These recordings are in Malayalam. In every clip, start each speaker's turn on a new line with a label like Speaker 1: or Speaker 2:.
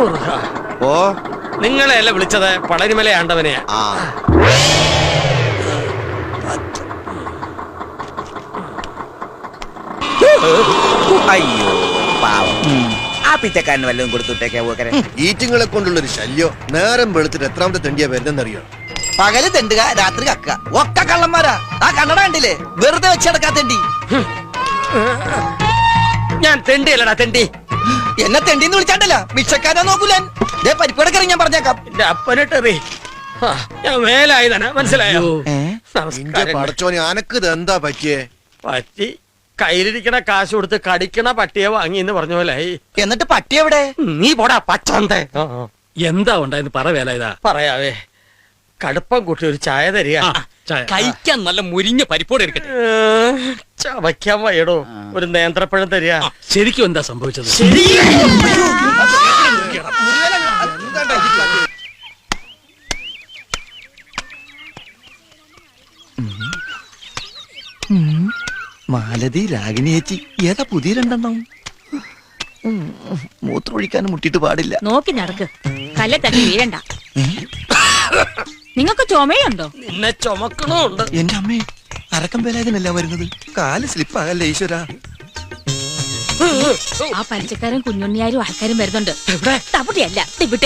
Speaker 1: ഓ
Speaker 2: നിങ്ങളെയല്ല വിളിച്ചത്, പളനിമല ആണ്ടവനെയാ.
Speaker 1: അയ്യോ പാവം. ആ പിച്ചക്കാരന് വല്ലതും കൊടുത്തുട്ടേക്കാ.
Speaker 3: ഈറ്റിങ്ങളെ കൊണ്ടുള്ളൊരു ശല്യോ. നേരം വെളുത്തിട്ട് എത്രാമത്തെ തെണ്ടിയാ വരുന്നെന്നറിയോ?
Speaker 1: പകല് തെണ്ടുക, രാത്രി കക്ക. ഒക്കെ കള്ളന്മാരാ. ആ കണ്ണട കണ്ടില്ലേ? വെറുതെ വെച്ചടക്കാ തെണ്ടി.
Speaker 2: ഞാൻ തെണ്ടിയല്ലടാ തെണ്ടി.
Speaker 1: എന്നെ തെണ്ടിന്ന് വിളിച്ചാണ്ടല്ല, ഭിക്ഷക്കാരാ നോക്കൂലൻ. പരിപ്പടക്കറി ഞാൻ പറഞ്ഞേക്കാം.
Speaker 2: എന്റെ അപ്പനിട്ടെറി ഞാൻ മേലായതാണ്, മനസ്സിലായോ?
Speaker 3: പടച്ചോനെ അനക്ക് എന്താ പറ്റിയേ?
Speaker 2: പറ്റി കയ്യിലിരിക്കണ കാശ് കൊടുത്ത് കടിക്കണ പട്ടിയെ വാങ്ങി എന്ന് പറഞ്ഞ പോലെ.
Speaker 1: എന്നിട്ട് പട്ടി എവിടെ?
Speaker 2: നീ പോടാ പച്ചന്തേ.
Speaker 4: എന്താ ഉണ്ടായെന്ന് പറ വേല.
Speaker 2: പറയാവേ, കടുപ്പം കൂട്ടി ഒരു ചായ തരിക.
Speaker 4: കഴിക്കാൻ നല്ല മുരിഞ്ഞ പരിപ്പോടെ എടുക്കട്ടെ.
Speaker 2: ചവയ്ക്കാൻ വയ്യടോ, ഒരു നേന്ത്രപ്പഴം തരിക.
Speaker 4: ശരിക്കും എന്താ സംഭവിച്ചത്?
Speaker 1: മാലതി, രാഗിണി ചേച്ചി, ഏതാ പുതിയ രണ്ടെണ്ണം? മൂത്രമൊഴിക്കാനും മുട്ടിട്ട് പാടില്ല.
Speaker 5: നോക്കി നടക്ക്, കല്ലെ തട്ടി വീഴണ്ട. നിങ്ങൾക്ക് ചുമയുണ്ടോ?
Speaker 2: നിന്നെ ചുമക്കണുണ്ട്.
Speaker 1: എന്റെ അമ്മേ, അരക്കം വേലായതിനല്ല വരുന്നത്. കാല് സ്ലിപ്പാകല്ലേ ഈശ്വര.
Speaker 5: ആ പലിച്ചക്കാരും കുഞ്ഞുണ്ണിയാരും ആൾക്കാരും വരുന്നുണ്ട്. തവിടെയല്ല, ഇവിടെ.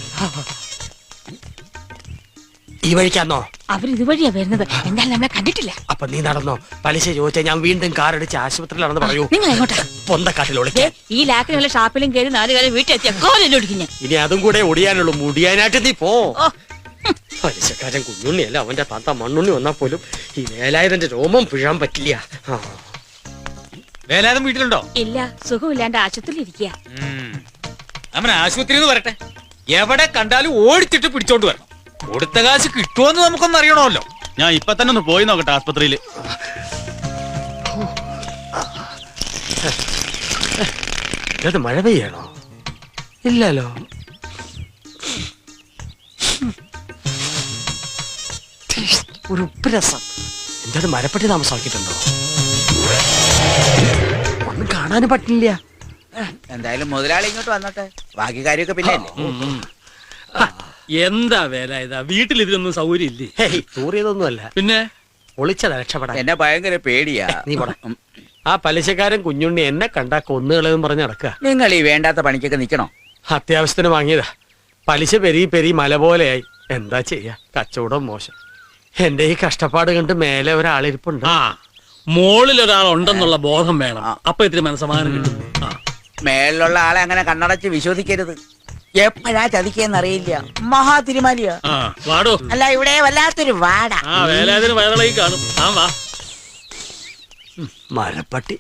Speaker 2: ഈ വഴിക്കാന്നോ?
Speaker 5: അവരിതുവഴിയാ വരുന്നത്. എന്തായാലും നമ്മളെ കണ്ടിട്ടില്ല.
Speaker 2: അപ്പൊ നീ നടന്നോ? പലിശ ചോദിച്ചാൽ ഞാൻ വീണ്ടും കാറടിച്ച് ആശുപത്രിയിലാണെന്ന് പറയൂ.
Speaker 5: നിങ്ങൾ എങ്ങോട്ടാ?
Speaker 2: പൊന്തക്കാട്ടിലോളി.
Speaker 5: ഈ ലാക്കിനുള്ള ഷാപ്പിലും കയറി 4 കാലം വീട്ടിലെത്തിയ കോലൊടിക്കുന്നു.
Speaker 2: ഇനി അതും കൂടെ ഒടിയാനുള്ളൂ. മുടിയാനായിട്ട് നീ പോ. പലിശക്കാരൻ കുഞ്ഞുണ്ണിയല്ല, അവന്റെ താത്ത മണ്ണുണ്ണി വന്നാ പോലും ഈ വേലായുധന്റെ രോമം പിഴാൻ പറ്റില്ല.
Speaker 4: വേലായുധൻ വീട്ടിലുണ്ടോ?
Speaker 5: ഇല്ല, സുഖമില്ലാണ്ട് ആശുപത്രിയിൽ ഇരിക്കുക.
Speaker 4: അവൻ ആശുപത്രിയിൽ നിന്ന് വരട്ടെ. എവിടെ കണ്ടാലും ഓടിച്ചിട്ട് പിടിച്ചോണ്ട് വരണം. കൊടുത്ത കാശ് കിട്ടുമോന്ന് നമുക്കൊന്ന് അറിയണമല്ലോ. ഞാൻ ഇപ്പൊ തന്നെ ഒന്ന് പോയി നോക്കട്ടെ ആസ്പത്രിയില്.
Speaker 2: ഇത് മഴ പെയ്യണോ? ഇല്ലല്ലോ. ഒരു ഉപ്പ് രസം. എന്താ മരപ്പെട്ടി താമസമാക്കിയിട്ടുണ്ടോ? ഒന്നും കാണാനും പറ്റില്ല.
Speaker 1: എന്തായാലും മുതലാളി ഇങ്ങോട്ട് വന്നോട്ടെ, ബാക്കി കാര്യമൊക്കെ പിന്നെ.
Speaker 4: എന്താ വേല ഇതാ, വീട്ടിൽ ഇതിനൊന്നും സൗകര്യം ഇല്ലേ?
Speaker 2: തൂറിയതൊന്നുമല്ല,
Speaker 4: പിന്നെ
Speaker 2: ഒളിച്ചതാ രക്ഷപ്പെടാൻ.
Speaker 1: എന്നെ ഭയങ്കര പേടിയാ.
Speaker 2: നീ പോടാ. ആ പലിശക്കാരൻ കുഞ്ഞുണ്ണി എന്നെ കണ്ടാ കൊന്നുകളെന്ന് പറഞ്ഞ് നടക്കുക.
Speaker 1: നിങ്ങൾ ഈ വേണ്ടാത്ത പണിക്കൊക്കെ നിക്കണോ?
Speaker 2: അത്യാവശ്യത്തിന് വാങ്ങിയതാ. പലിശ പെരി പെരി മല പോലെയായി. എന്താ ചെയ്യാ, കച്ചവടം മോശം. എന്റെ ഈ കഷ്ടപ്പാട് കണ്ട് മേലെ ഒരാളിരിപ്പുണ്ട്.
Speaker 4: മോളിൽ ഒരാളുണ്ടെന്നുള്ള ബോധം വേണം. അപ്പൊ ഇത്തിരി മനസ്സമാധാനം കിട്ടും.
Speaker 1: മേലുള്ള ആളെ അങ്ങനെ കണ്ണടച്ച് വിശ്വസിക്കരുത്. എപ്പോഴാ ചതിക്കെന്നറിയില്ല. മഹാ തിരുമാലിയാ.
Speaker 4: വാടോ.
Speaker 1: അല്ല, ഇവിടെ വല്ലാത്തൊരു വാട.
Speaker 4: വേലാതിന് വയറിളകി കാണും. വാ.
Speaker 2: മരപ്പട്ടി.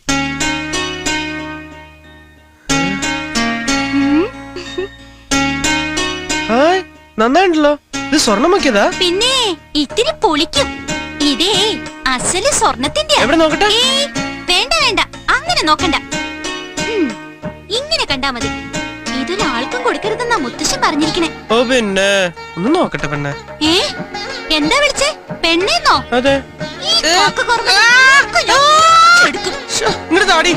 Speaker 2: നന്നായിട്ടല്ലോ. ഇത് സ്വർണ്ണം വെക്കിയതാ?
Speaker 5: പിന്നെ ഇത്തിരി പൊളിക്കും. ഇതേ അസല് സ്വർണത്തിന്റെ.
Speaker 2: എവിടെ നോക്കട്ടെ?
Speaker 5: വേണ്ട, അങ്ങനെ നോക്കണ്ട. ഇങ്ങനെ കണ്ടാ മതി. ഇതൊരാൾക്കും കൊടുക്കരുതെന്നാ മുത്തശ്ശൻ പറഞ്ഞിരിക്കണേ.
Speaker 2: ഓ പിന്നെ ഒന്ന് നോക്കട്ടെ പെണ്ണെ.
Speaker 5: എന്താ വിളിച്ചേ? പെണ്ണേന്നോ?
Speaker 2: അതെ. ഇങ്ങോട്ട് താടി.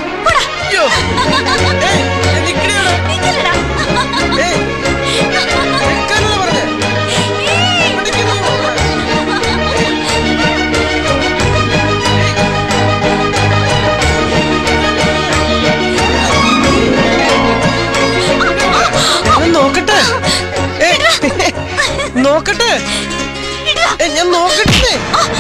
Speaker 2: നോക്കട്ടെ, ഞാൻ നോക്കട്ടെ.